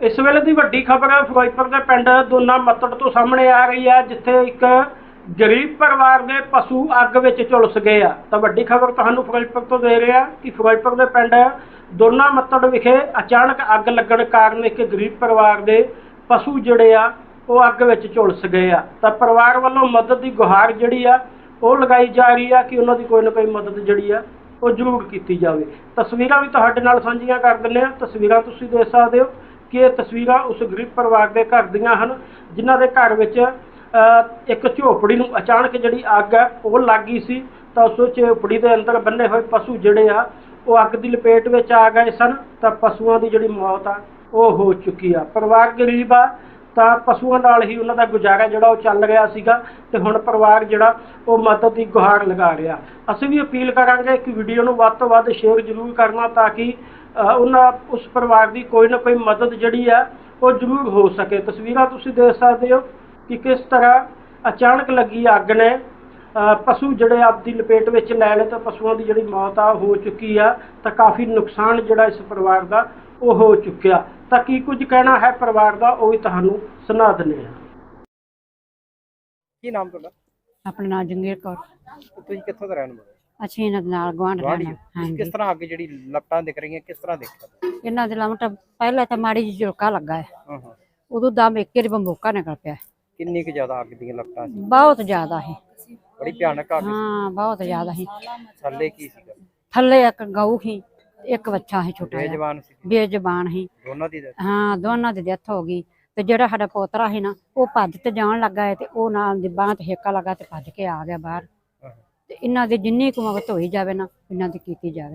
इस वेले की वड्डी खबर फिरोजपुर के पिंड दोना मत्तड़ तो सामने आ रही है, जिथे एक गरीब परिवार के पशु अग विच झुलस गए आ। तो वड्डी खबर तुहानूं फिरोजपुर तो दे रहे हैं कि फिरोजपुर के पिंड दोना मत्तड़ विखे अचानक अग लगण कारण एक गरीब परिवार के पशु जिहड़े आ वो अग विच झुलस गए आ। तो परिवार वालों मदद की गुहार जिहड़ी आ वो लगाई जा रही है कि उन्हों की कोई ना कोई मदद जिहड़ी आ वो जरूर की जाए। तस्वीरां भी तुहाडे नाल साझीआं कर दिंदे आ। तस्वीरां तुसीं देख सकदे हो कि ये तस्वीरां उस गरीब परिवार के घर दियां हन, जिन्हां दे घर विच एक झोपड़ी नूं अचानक जिहड़ी अग है वो लग गई सी। तो उस झोपड़ी के अंदर बन्ने हुए पशु जिहड़े आ वो अग की लपेट विच आ गए सन। तो पशुओं की जिहड़ी मौत आ वो हो चुकी आ। परिवार गरीब आ तो पशुओं नाल ही उन्हां दा गुजारा जिहड़ा वो चल रहा सीगा ते हुण परिवार जिहड़ा वो मदद की गुहार लगा रहा। असीं भी अपील करांगे कि वीडियो नूं वध तों वध शेयर जरूर करना ताकि उस परिवार की कोई ना कोई मदद जिहड़ी है वो जरूर हो सके। तस्वीरां तुसीं देख सकदे हो कि किस तरह अचानक लगी अग ने पशु जिहड़े आपदी लपेट विच लै लए। तो पशुओं की जिहड़ी मौत आ हो चुकी है। तो काफ़ी नुकसान जिहड़ा इस परिवार का वो हो चुकिया। तो की कुछ कहना है परिवार का वो भी तुहानूं सुना दिंदे हां। ਕੀ ਨਾਮ ਤੁਹਾਡਾ? अपना नाम जंगीर कौर। ਤੁਸੀਂ ਕਿੱਥੋਂ ਦੇ ਰਹਿਣ ਵਾਲੇ? ਅਸੀਂ ਇਹਨਾਂ ਦੇ ਨਾਲ ਗੁਆਂਢ ਗੁਆਂਢੀ ਰਹਿਣਾ। ਹੋ? ਹਾਂਜੀ, ਕਿਸ ਤਰ੍ਹਾਂ ਅੱਗ ਜਿਹੜੀ ਲਪਟਾਂ ਦਿਖ ਰਹੀਆਂ ਕਿਸ ਤਰ੍ਹਾਂ ਦੇਖਿਆ? ਇਹਨਾਂ ਦੇ ਲਮਟ ਪਹਿਲਾਂ ਤਾਂ ਮਾੜੀ ਜਿਹੀ ਝੁਲਕਾ ਲੱਗਾ ਹੈ, ਹਾਂ ਹਾਂ। ਉਦੋਂ ਦਮ ਇੱਕ ਹੀ ਬੰਬੋਕਾ ਨਿਕਲ ਪਿਆ। ਕਿੰਨੀ ਕੁ ਜ਼ਿਆਦਾ ਅੱਗ ਦੀਆਂ ਲਪਟਾਂ ਸੀ? ਬਹੁਤ ਜ਼ਿਆਦਾ ਹੈ। ਬੜੀ ਭਿਆਨਕ ਅੱਗ ਸੀ। ਹਾਂ, ਬਹੁਤ ਜ਼ਿਆਦਾ ਹੈ। ਥੱਲੇ ਕੀ ਸੀਗਾ? ਥੱਲੇ ਇੱਕ ਗਊ ਸੀ, ਇੱਕ ਬੱਚਾ ਹੈ ਛੋਟਾ ਜਿਹਾ, ਬੇਜ਼ਬਾਨ ਸੀ? ਬੇਜ਼ਬਾਨ ਸੀ। ਦੋਨਾਂ ਦੀ death? ਹਾਂ, ਦੋਨਾਂ ਦੀ ਡੈਥ ਹੋ ਗਈ। ਤੇ ਜਿਹੜਾ ਸਾਡਾ ਪੋਤਰਾ ਸੀ ਨਾ ਉਹ ਭੱਜ ਤੇ ਜਾਣ ਲੱਗਾ ਹੈ ਤੇ ਉਹ ਨਾਲ ਦੀ ਬਾਂਹ ਤੇ ਹੇਕਾ ਲੱਗਾ ਤੇ ਭੱਜ ਕੇ ਆ ਗਿਆ ਬਾਹਰ। ਹਾਂ। ਤੇ ਇਹਨਾਂ ਦੀ ਜਿੰਨੀ ਕੁ ਮਦਦ ਹੋਈ ਜਾਵੇ ਨਾ ਇਹਨਾਂ ਦੀ ਕੀਤੀ ਜਾਵੇ।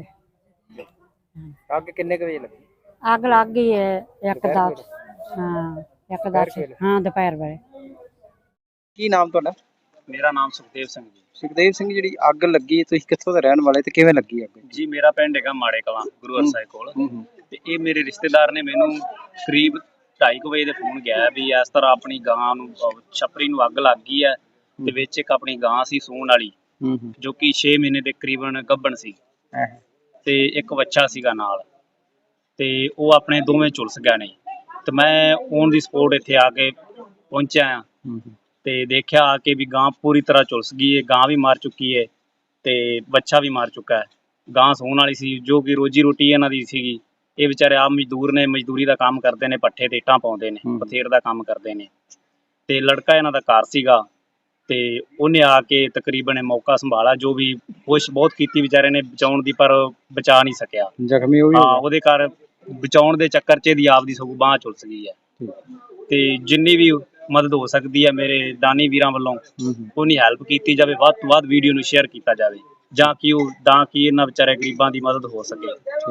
ਅੱਗ ਕਿੰਨੇ ਕੁ ਵਜੇ ਲੱਗੀ? ਅੱਗ ਲੱਗ ਗਈ ਹੈ ਇੱਕ ਦੁਪਹਿਰ ਦਾ, ਵੇਲੇ? ਹਾਂ ਇੱਕ ਦੁਪਹਿਰ ਦਾ, ਵੇਲੇ? ਹਾਂ ਦੁਪਹਿਰ ਵੇਲੇ। ਕੀ ਨਾਮ ਤੁਹਾਡਾ? मेरा नाम सुखदेव सिंह जी। ਸੁਖਦੇਵ ਸਿੰਘ, ਜਿਹੜੀ ਅੱਗ ਲੱਗੀ ਤੁਸੀਂ ਕਿੱਥੋਂ ਦੇ ਰਹਿਣ ਵਾਲੇ ਤੇ ਕਿਵੇਂ ਲੱਗੀ ਅੱਗ? जी मेरा पिंड है माड़े कलां गुरु हरसाए कोल ਹੂੰ। ते ये मेरे रिश्तेदार ने मैनू करीब 2:30 ਵਜੇ ਦੇ ਫੋਨ ਗਿਆ ਵੀ ਇਸ ਤਰ੍ਹਾਂ ਆਪਣੀ ਗਾਂ ਨੂੰ ਛਪਰੀ ਨੂੰ ਅੱਗ ਲੱਗ ਗਈ ਹੈ ਤੇ ਵਿੱਚ ਇੱਕ ਆਪਣੀ ਗਾਂ ਸੀ ਸੂਣ ਵਾਲੀ ਹੂੰ। ਜੋ ਕਿ 6 ਮਹੀਨੇ ਦੇ ਕਰੀਬਨ ਗੱਭਣ ਸੀ ਤੇ ਇੱਕ ਬੱਚਾ ਸੀਗਾ ਨਾਲ ਤੇ ਉਹ ਆਪਣੇ ਦੋਵੇਂ ਝੁਲਸ ਗਏ ਨੇ। ਤੇ ਮੈਂ ਔਨ ਦੀ ਸਪੋਰਟ ਇੱਥੇ ਆ ਕੇ ਪਹੁੰਚਿਆ ਆ ਤੇ ਦੇਖਿਆ ਆ ਕੇ ਵੀ ਗਾਂ ਪੂਰੀ ਤਰ੍ਹਾਂ ਝੁਲਸ ਗਈ ਹੈ। ਗਾਂ ਵੀ ਮਾਰ ਚੁੱਕੀ ਹੈ ਤੇ ਬੱਚਾ ਵੀ ਮਾਰ ਚੁੱਕਾ ਹੈ। ਗਾਂ ਸੌਣ ਵਾਲੀ ਸੀ ਜੋ ਕਿ ਰੋਜੀ ਰੋਟੀ ਇਹਨਾਂ ਦੀ ਸੀਗੀ। ਇਹ ਵਿਚਾਰੇ ਆਪ ਮਜ਼ਦੂਰ ਨੇ, ਮਜ਼ਦੂਰੀ ਦਾ ਕੰਮ ਕਰਦੇ ਨੇ, ਪੱਠੇ ਤੇ ਇੱਟਾਂ ਪਾਉਂਦੇ ਨੇ, ਬਥੇਰ ਦਾ ਕੰਮ ਕਰਦੇ ਨੇ ਤੇ ਲੜਕਾ ਇਹਨਾਂ ਦਾ ਘਰ ਸੀਗਾ ਤੇ ਉਹਨੇ ਆ ਕੇ ਤਕਰੀਬਨ ਮੌਕਾ ਸੰਭਾਲਾ। ਜੋ ਵੀ ਕੋਸ਼ਿਸ਼ ਬਹੁਤ ਕੀਤੀ ਵਿਚਾਰੇ ਨੇ ਬਚਾਉਣ ਦੀ ਪਰ ਬਚਾ ਨਹੀਂ ਸਕਿਆ। ਜ਼ਖਮੀ ਹੋ ਹਾਂ, ਗਿਆ? ਉਹਦੇ ਘਰ ਬਚਾਉਣ ਦੇ ਚੱਕਰ 'ਚ ਇਹਦੀ ਆਪਦੀ ਸਗੋਂ ਬਾਂਹ ਝੁਲਸ ਗਈ ਹੈ। ਤੇ ਜਿੰਨੀ ਵੀ ਮਦਦ ਹੋ ਸਕਦੀ ਹੈ ਮੇਰੇ ਦਾਨੀ ਵੀਰਾਂ ਵੱਲੋਂ ਉਹਨੀ ਹੈਲਪ ਕੀਤੀ ਜਾਵੇ। ਵੱਧ ਤੋਂ ਵੱਧ ਵੀਡੀਓ ਨੂੰ ਸ਼ੇਅਰ ਕੀਤਾ ਜਾਵੇ ਜਾਂ ਕਿ ਇਹਨਾਂ ਵਿਚਾਰੇ ਗਰੀਬਾਂ ਦੀ ਮਦਦ ਹੋ ਸਕੇ।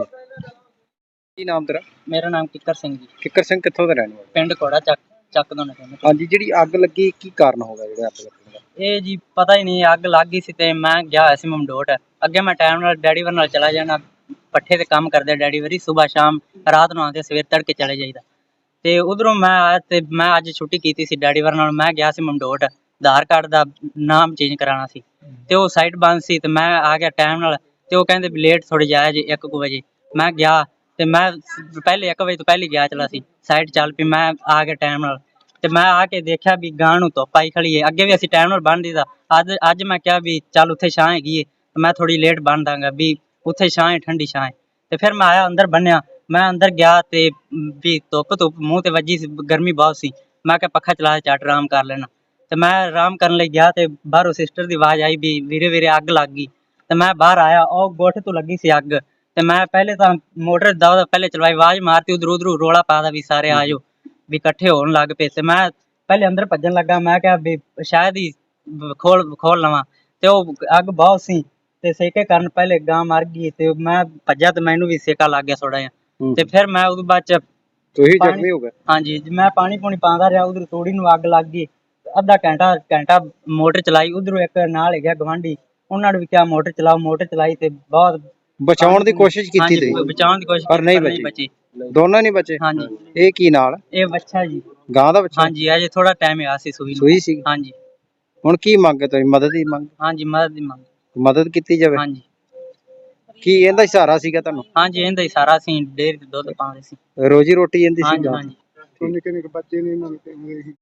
ਕੀ ਨਾਮ ਤੇਰਾ? ਮੇਰਾ ਨਾਮ ਕਿੱਕਰ ਸਿੰਘ ਜੀ, ਕਿੱਕਰ ਸਿੰਘ, ਕਿੱਥੋਂ ਦੇ ਰਹਿਣ ਵਾਲੇ? ਪਿੰਡ ਕੋੜਾ ਚੱਕ ਦੋਨੇ ਪਿੰਡ। ਹਾਂਜੀ, ਜਿਹੜੀ ਅੱਗ ਲੱਗੀ ਕੀ ਕਾਰਨ ਹੋ ਗਿਆ ਜਿਹੜਾ ਅੱਗ ਲੱਗਣ ਦਾ? ਇਹ ਜੀ ਪਤਾ ਹੀ ਨਹੀਂ, ਅੱਗ ਲੱਗ ਗਈ ਸੀ ਤੇ ਮੈਂ ਗਿਆ ਹੋਇਆ ਸੀ ਮਮਦੋਟ। ਅੱਗੇ ਮੈਂ ਟਾਈਮ ਨਾਲ ਡੈਡੀ ਵਰ ਨਾਲ ਚਲਾ ਜਾਣਾ, ਪੱਠੇ ਤੇ ਕੰਮ ਕਰਦੇ ਡੈਡੀ ਵਰੀ, ਸਵੇਰ ਸ਼ਾਮ ਰਾਤ ਨੂੰ ਆਉਂਦੇ, ਸਵੇਰ ਤੜਕੇ ਚਲੇ ਜਾਈਦਾ। ਤੇ ਉਧਰੋਂ ਮੈਂ ਆਇਆ ਤੇ ਮੈਂ ਅੱਜ ਛੁੱਟੀ ਕੀਤੀ ਸੀ ਡੈਡੀ ਵਰ ਨਾਲ। ਮੈਂ ਗਿਆ ਸੀ ਮਮਦੋਟ, ਆਧਾਰ ਕਾਰਡ ਦਾ ਨਾਮ ਚੇਂਜ ਕਰਾਉਣਾ ਸੀ ਤੇ ਉਹ ਸਾਈਟ ਬੰਦ ਸੀ ਤੇ ਮੈਂ ਆ ਗਿਆ ਟਾਈਮ ਨਾਲ। ਤੇ ਉਹ ਕਹਿੰਦੇ ਵੀ ਲੇਟ ਥੋੜੀ ਜਾਇਆ ਜੀ 1 ਵਜੇ। ਮੈਂ ਗਿਆ ਤੇ ਮੈਂ ਪਹਿਲੇ 1 ਵਜੇ ਤੋਂ ਪਹਿਲੇ ਗਿਆ ਚਲਾ ਸੀ, ਸਾਈਟ ਚੱਲ ਪਈ। ਮੈਂ ਆ ਗਿਆ ਟਾਈਮ ਨਾਲ ਤੇ ਮੈਂ ਆ ਕੇ ਦੇਖਿਆ ਵੀ ਗਾਂ ਨੂੰ ਧੁੱਪ ਆਈ ਖੜੀ ਹੈ। ਅੱਗੇ ਵੀ ਅਸੀਂ ਟਾਈਮ ਨਾਲ ਬੰਨ ਦਿੱਤਾ। ਅੱਜ ਮੈਂ ਕਿਹਾ ਵੀ ਚੱਲ ਉੱਥੇ ਛਾਂ ਹੈਗੀ ਹੈ ਮੈਂ ਥੋੜੀ ਲੇਟ ਬੰਨ ਦਾਂਗਾ ਵੀ ਉੱਥੇ ਛਾਂ ਹੈ, ਠੰਡੀ ਛਾਂ ਹੈ। ਤੇ ਫਿਰ ਮੈਂ ਆਇਆ ਅੰਦਰ ਬੰਨਿਆ। ਮੈਂ ਅੰਦਰ ਗਿਆ ਤੇ ਵੀ ਧੁੱਪ ਮੂੰਹ ਤੇ ਵੱਜੀ ਸੀ, ਗਰਮੀ ਬਹੁਤ ਸੀ। ਮੈਂ ਕਿਹਾ ਪੱਖਾ ਚਲਾ ਝੱਟ ਆਰਾਮ ਕਰ ਲੈਣਾ। ਤੇ ਮੈਂ ਆਰਾਮ ਕਰਨ ਲਈ ਗਿਆ ਤੇ ਬਾਹਰੋਂ ਸਿਸਟਰ ਦੀ ਆਵਾਜ਼ ਆਈ ਵੀ ਵੀਰੇ ਵੀਰੇ ਅੱਗ ਲੱਗ ਗਈ। ਤੇ ਮੈਂ ਬਾਹਰ ਆਇਆ, ਉਹ ਗੋਠੇ ਤੋਂ ਲੱਗੀ ਸੀ ਅੱਗ। ਤੇ ਮੈਂ ਪਹਿਲੇ ਤਾਂ ਮੋਟਰ ਦਾ ਪਹਿਲੇ ਚਲਵਾਈ, ਆਵਾਜ਼ ਮਾਰਤੀ, ਉਧਰੋਂ ਰੋਲਾ ਪਾਦਾ ਵੀ ਸਾਰੇ ਆ ਜਾਓ ਵੀ ਇਕੱਠੇ ਹੋਣ ਲੱਗ ਪਏ। ਤੇ ਮੈਂ ਪਹਿਲੇ ਅੰਦਰ ਭੱਜਣ ਲੱਗਾ। ਮੈਂ ਕਿਹਾ ਵੀ ਸ਼ਾਇਦ ਹੀ ਖੋਲ ਲਵਾਂ ਤੇ ਉਹ ਅੱਗ ਬਹੁਤ ਸੀ ਤੇ ਸੇਕੇ ਕਾਰਨ ਪਹਿਲੇ ਗਾਂ ਮਰ ਗਈ ਤੇ ਮੈਂ ਭੱਜਾ ਤੇ ਮੈਨੂੰ ਵੀ ਸੇਕਾ ਲੱਗ ਗਿਆ ਥੋੜਾ ਜਿਹਾ। ਤੇ ਫਿਰ ਮੈਂ ਉਦੋਂ ਬਾਅਦ ਚ ਤੁਸੀਂ ਜ਼ਖਮੀ ਹੋ ਗਏ? ਹਾਂਜੀ, ਮੈਂ ਪਾਣੀ ਪੂਣੀ ਪਾਉਂਦਾ ਰਿਹਾ। ਉਧਰ ਤੋੜੀ ਨੂੰ ਅੱਗ ਲੱਗ ਗਈ। ਅੱਧਾ ਘੰਟਾ ਮੋਟਰ ਚਲਾਈ। ਉਧਰੋਂ ਇੱਕ ਨਾਲ ਹੈਗਾ ਗਵਾਂਢੀ, ਉਹਨਾਂ ਨੇ ਵੀ ਕਿਹਾ ਮੋਟਰ ਚਲਾਓ। ਮੋਟਰ ਚਲਾਈ ਤੇ ਬਹੁਤ ਬਚਾਉਣ ਦੀ ਕੋਸ਼ਿਸ਼ ਕੀਤੀ ਤੁਸੀਂ? ਬਚਾਉਣ ਦੀ ਕੋਸ਼ਿਸ਼ ਪਰ ਨਹੀਂ ਬਚੀ। ਦੋਨੋਂ ਨਹੀਂ ਬਚੇ? ਹਾਂਜੀ। ਇਹ ਕੀ ਨਾਲ? ਇਹ ਬੱਚਾ ਜੀ, ਗਾਂ ਦਾ ਬੱਚਾ? ਹਾਂਜੀ, ਅਜੇ ਥੋੜਾ ਟਾਈਮ ਆ ਸੀ ਸੂਈ ਨੂੰ। ਸੂਈ ਸੀ? ਹਾਂਜੀ। ਹੁਣ ਕੀ ਮੰਗ ਹੈ ਤੁਹਾਡੀ? ਮਦਦ ਦੀ ਮੰਗ? ਹਾਂਜੀ, ਮਦਦ ਦੀ ਮੰਗ। ਮਦਦ ਕੀਤੀ ਜਾਵੇ? ਹਾਂਜੀ ਕੀ ਇਹਦਾ ਹੀ ਸਹਾਰਾ ਸੀਗਾ ਤੁਹਾਨੂੰ? ਹਾਂਜੀ, ਇਹਦਾ ਹੀ ਸਾਰਾ ਸੀ, ਡੇਅਰੀ ਤੇ ਦੁੱਧ ਪਾਉਂਦੇ ਸੀ। ਰੋਜੀ ਰੋਟੀ ਇਹਦੀ ਸੀ? ਹਾਂਜੀ ਹਾਂਜੀ। ਨਿੱਕੇ ਨਿੱਕੇ ਬੱਚੇ ਨੇ ਇਹਨਾਂ ਨੂੰ ਕਹਿੰਦੇ ਸੀ